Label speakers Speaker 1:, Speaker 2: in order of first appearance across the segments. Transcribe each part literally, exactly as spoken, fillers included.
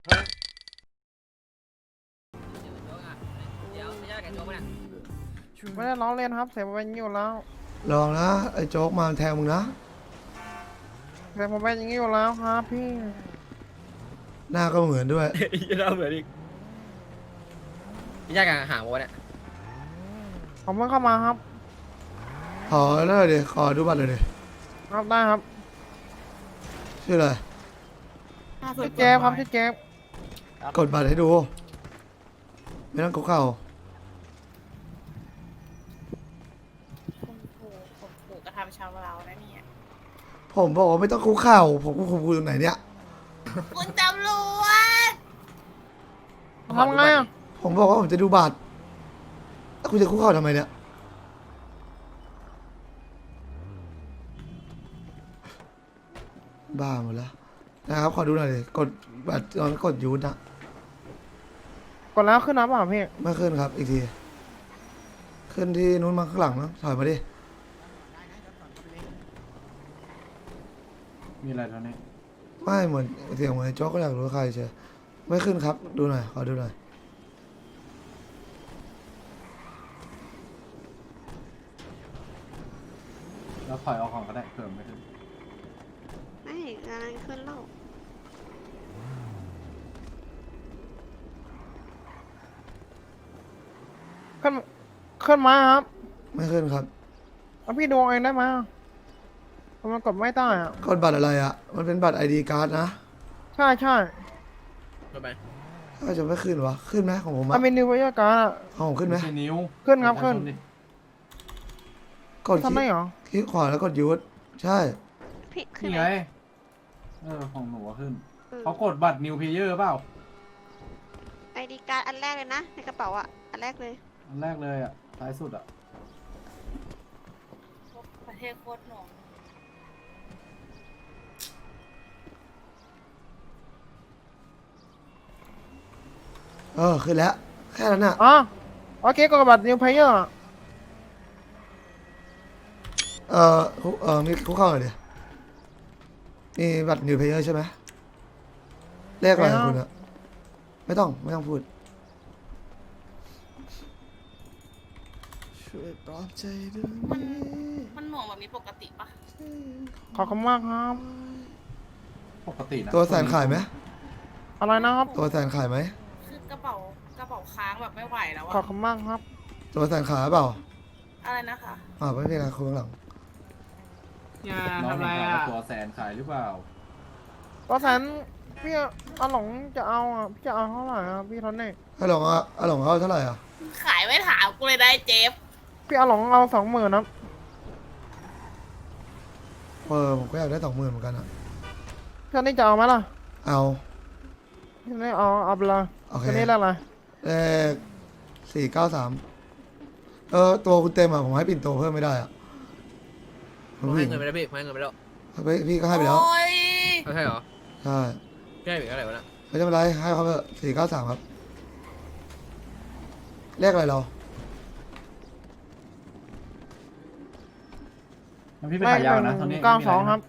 Speaker 1: ไม่ได้ร้องเล่นครับเสียงเป็นอย่างนี้อยู่แล้ว
Speaker 2: ลองนะไอ้โจ๊กมาแทงมึงนะ
Speaker 1: เสียงผมเป็นอย่างนี้อยู่แล้วครับพี่
Speaker 2: หน้าก็เหมือนด้วย
Speaker 3: ยี่เราเหมือนอีกพี่ยากหางวะเนี่ย
Speaker 1: ผมเพิ่งเข้ามาครับ
Speaker 2: ขอหน่อยดิขอดูบัตรหน่อยดิ
Speaker 1: ครับได้ครับ
Speaker 2: ชื่ออะไร
Speaker 1: พี่เจฟครับพี่เจฟ
Speaker 2: กดบัตรให้ดู ไม่ต้องคุกเข่า
Speaker 4: คุณปู่ผมปู่กระทำชาวเรานะเนี่ย
Speaker 2: ผมบอกว่าไม่ต้องคุกเข่าผมคุกคุกตรงไหนเนี่ย
Speaker 4: คุณตำรวจ
Speaker 1: ทำไงอ่ะ
Speaker 2: ผมบอกว่าผมจะดูบัตรแล้วคุณจะคุกเข่าทำไมเนี่ยบ้าหมดแล้วนะครับขอดูหน่อยดิกดบัตรตอนกดยูนนะ
Speaker 1: กดแล้วขึ้นนะเปล่าพี่
Speaker 2: ไม่ขึ้นครับอีกทีขึ้นที่นู้นมาข้างหลังนะถอยมาดิ
Speaker 5: มีอะไรตอนนี้
Speaker 2: ไม่เหมือนเสียงเหมือนไอ้โจ๊กก็อยากรู้ว่าใครเชียวไม่ขึ้นครับดูหน่อยขอดูหน่อย
Speaker 5: แล้วถอยเอาของก็ได้เพิ่มไปขึ้น
Speaker 6: ไม่งานขึ้นแล้ว
Speaker 1: ขึ้นขึ้นมาครับ
Speaker 2: ไม่ขึ้นครับ
Speaker 1: แล้วพี่ดูเองได้ไหมผมมันกดไม่ได้อ่ะ
Speaker 2: กดบัตรอะไรอ่ะมันเป็นบัตรไอดีการ์ดนะ
Speaker 1: ใช่ใช่
Speaker 3: ลงไป
Speaker 2: ถ้าจะไม่ขึ้นวะขึ้นไหมของผม
Speaker 1: มั
Speaker 2: อะ
Speaker 1: นมีนิวไวร์การ์ดอ่ะ
Speaker 2: ของผมขึ้นไหม
Speaker 5: ไม่ใช่นิ้ว
Speaker 1: ขึ้นครับขึ้น
Speaker 5: ดิ
Speaker 2: กดคลิ
Speaker 1: ทำได้
Speaker 2: ก
Speaker 1: เหรอ
Speaker 2: คลิกขวาแล้วกดยูทใช่
Speaker 6: พี่ขึ้น
Speaker 5: นี่
Speaker 6: ไหม
Speaker 5: ไงเออของหนูอะขึ้น
Speaker 6: เออ
Speaker 5: เขากดบัตรนิวเพเยอร์เปล่า
Speaker 6: ไอดีการ์ดอันแรกเลยนะ ในกระเป๋าอ่ะ อันแรกเลย
Speaker 5: อันแรกเลยอ่ะท้ายสุดอ่ะ
Speaker 4: ประเทศโคตรหน่วง
Speaker 2: เออขึ้นแล้วแค่นั้นน่ะ
Speaker 1: อ๋อโอเคกดบัตรนิวเพย์เยอร์
Speaker 2: เออคุเออมีคุกเข้าหน่อยดิมีบัตรนิวเพเยอร์ใช่ไหมเลขอะไรของคุณอะไม่ต้องไม่ต้องพูดช่วยปลอบใจด้วย
Speaker 4: มันมันหน่วงแบบนี้ปกติปะ
Speaker 1: ขอบคุณมากครับ
Speaker 5: ปกตินะ
Speaker 2: ตัวแสนขายไหม
Speaker 1: อะไรนะครับ
Speaker 2: ตัวแสนขายไหม
Speaker 4: คือกระเป๋ากระเป๋าค้างแบบไม่ไหวแล้ว
Speaker 1: ขอบ
Speaker 4: อะ
Speaker 1: คุณมากครับ
Speaker 2: ตัวแสนขายเปล่า
Speaker 4: อะไรนะคะ
Speaker 2: อ่าไม่เป็นไรคุณข้างหลัง
Speaker 7: อย่า
Speaker 5: น้อง
Speaker 7: ทำอะไร
Speaker 5: เห็น
Speaker 7: อ่ะ
Speaker 5: ว่าตัวแสนขายหรือเปล่า
Speaker 1: ก็แสนพี่อาหลงจะเอาอ่ะพี่จะเอาเท่าไหร่อ่ะพี่ทอนนี่
Speaker 2: อาหลงอ่ะอาหลงเอาเท่าไหร่อ่ะ
Speaker 4: ขายไม่ถามกูเลยได้เจฟ
Speaker 1: พี่อาหลงเอาสองหมื่นนะ
Speaker 2: เออผมก็อยากได้สองหมื่นเหมือนกันอ่ะ
Speaker 1: พี่ทอนนี่จะเอาไหมล่ะ
Speaker 2: เอา
Speaker 1: พี่ทอนนี่เอาเอาไปเลย
Speaker 2: โอเค
Speaker 1: ตัวนี้แล้วอะไร
Speaker 2: เลขสี่เก้าสามเออตัวคุณเต็มอ่ะผมให้ปิ่นโตเพิ่มไม่ได้อ่ะ
Speaker 3: ผมให้เงินไปแล้วพี่ผมให้เงินไปแล้ว
Speaker 2: พี่พี่ก็ให้ไปแล้ว
Speaker 4: โอ้ย
Speaker 3: เอาใช่เหรอ
Speaker 2: ใช่
Speaker 3: พี่ให้ไปเท่าไหร่วะน่ะ
Speaker 2: ไม่เป็นไรให้เขาเถอะสี่เก้าสามครับเลขอะไรเรา
Speaker 5: มันพี่ไปขายยาวนะตอนนี้
Speaker 1: เก้าสองครับ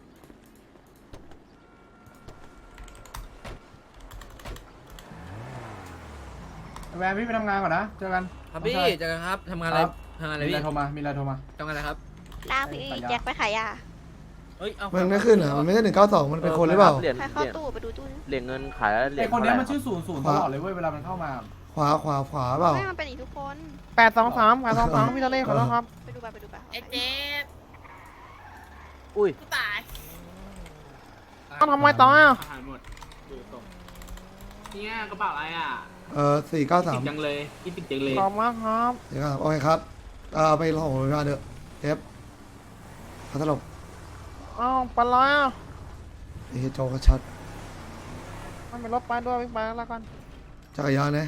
Speaker 5: แวนพี่ไปทำงานก่อนนะเจอกัน
Speaker 3: ครับพี่เจอกันครับทำงานอะไรทำงานอะไร
Speaker 5: มีอะไร
Speaker 3: พี่
Speaker 5: โทรมามีอะไรโทรมา
Speaker 3: ทำงานอะไรครับ
Speaker 6: ลากพี่แจ็คไปขายยา
Speaker 3: เฮ้ยเอา
Speaker 2: มันไม่ขึ้นอ่ะมันไม่ใช่หนึ่งเก้าสองมันเป็นคนหรือเปล่า
Speaker 7: เหรียญ
Speaker 6: ใคร
Speaker 7: เห
Speaker 6: เข้า
Speaker 7: รียญ
Speaker 6: ตู้ไปดูตู้ดิ
Speaker 7: เหรียญเงินขายแล้วเหรีย
Speaker 5: ไอ
Speaker 7: ญ
Speaker 5: คนเนี้ยมัน
Speaker 7: เท่าไหร่
Speaker 5: ชื่อศูนย์ศูนย์ตลอดเลยเว้ยเวลามันเข้ามา
Speaker 2: ขวาขวาขวาเปล่า
Speaker 6: ไม่มันเป็นอีกทุกคน
Speaker 1: แปดสองสามแปดสองสามพี่ทอนนี่ขอโทษครับ
Speaker 6: ไปดูไปไปดูไป
Speaker 4: ไอเจฟ
Speaker 7: อุ้ย
Speaker 4: กูตาย
Speaker 1: ต้องทำไมต่ออ่ะ
Speaker 7: อาหารหมดดูตรงเนี่ยกระเป๋าอะไรอ่ะ
Speaker 2: เออสี่เก้าสาม
Speaker 7: ติดจังเลยคิดติดจังเลย
Speaker 1: ขอบคุณมากครับ
Speaker 2: สี่เก้าสามโอเคครับเอาไปลงของพยาบาลเถอะเอฟพัทลบ
Speaker 1: อ้าวเป็นไรอ่ะ
Speaker 2: ไอ้เหี้ยโจกชัด
Speaker 1: ไม่เป็นรถไปด้วยวิ่งไปแล้วกัน
Speaker 2: จักรยานนะ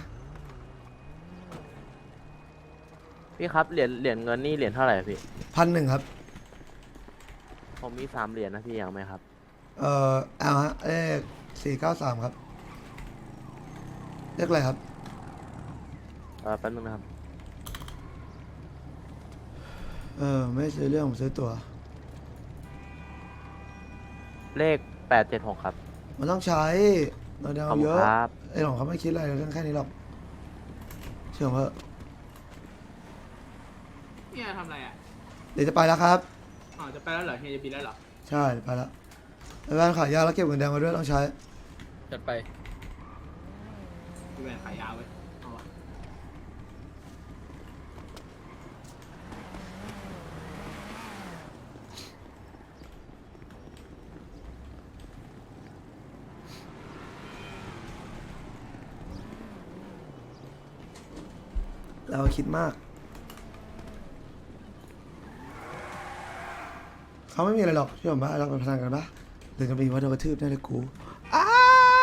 Speaker 7: พี่ครับเหรียญเหรียญเงินนี่เหรียญเท่าไหร่พี่
Speaker 2: พันหนึ่งครับ
Speaker 7: ผมมีสามเหรียญนะพี่อยากไหมครับ
Speaker 2: เอ่อเอาฮะเลขสี่เก้าสามครับเลขอะไรครับ
Speaker 7: เออแป๊บนึงนะครับ
Speaker 2: เออไม่ซื้อเรื่องผมซื้อตั๋ว
Speaker 7: เลขแปดเจ็ดหกครับ
Speaker 2: มันต้องใช้เราเดา
Speaker 8: ขอบ
Speaker 2: เย
Speaker 8: คุณ
Speaker 2: อะ
Speaker 8: ครับ
Speaker 2: ไอ้หลงเขาไม่คิดอะไรเรื่องแค่นี้หรอกเชื่อผมเถอะ
Speaker 7: เนี่ยทำอะไรอ่ะ
Speaker 2: เดี๋ยวจะไปแล้วครับ
Speaker 7: อ๋อจะไปแล้วเหรอเฮียจะบินแล้วเหรอ
Speaker 2: ใช่ไปแล้วไปบ้านขายยาแล้วเก็บเงินแดงมาด้วยต้องใช้
Speaker 3: จัดไป
Speaker 7: พี่แบนขายยาวไว้ยเอาวะ
Speaker 2: เราคิดมาก เขาไม่มีอะไรหรอกเชื่อผมปะเราไปพนันกันปะเดินกันไปว่าโดนกระทืบแน่เลยกูอ้า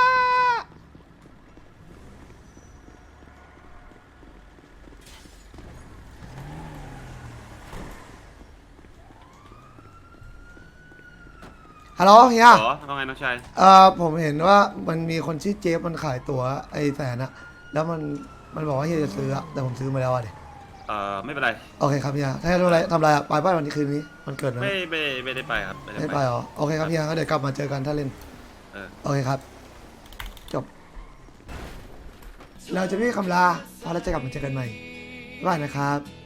Speaker 2: ฮัลโหลเฮีย
Speaker 9: เหรอว่าไงน้องชาย
Speaker 2: เอ่อผมเห็นว่ามันมีคนชื่อเจฟมันขายตั๋วไอ้แสนอะแล้วมันมันบอกว่าเฮียจะซื้ออะแต่ผมซื้อมาแล้วอะดิ
Speaker 9: เอ่อไม่เป็นไร
Speaker 2: โอเคครับเฮียถ้าจะทำอะไรทำอะไรอะไปบ้านวันนี้คืนนี้มันเกิดมัน
Speaker 9: ไม่ไม่ไม่ได้ไปครับ ไม่
Speaker 2: ไม่
Speaker 9: ได้
Speaker 2: ไปเหรอโอเคครับเฮียก็เดี๋ยวกลับมาเจอกันถ้าเล่น
Speaker 9: เออ
Speaker 2: โอเคครับ จบ เราจะไม่มีคำลาเพราะเราจะกลับมาเจอกันใหม่บ๊ายบายนะครับ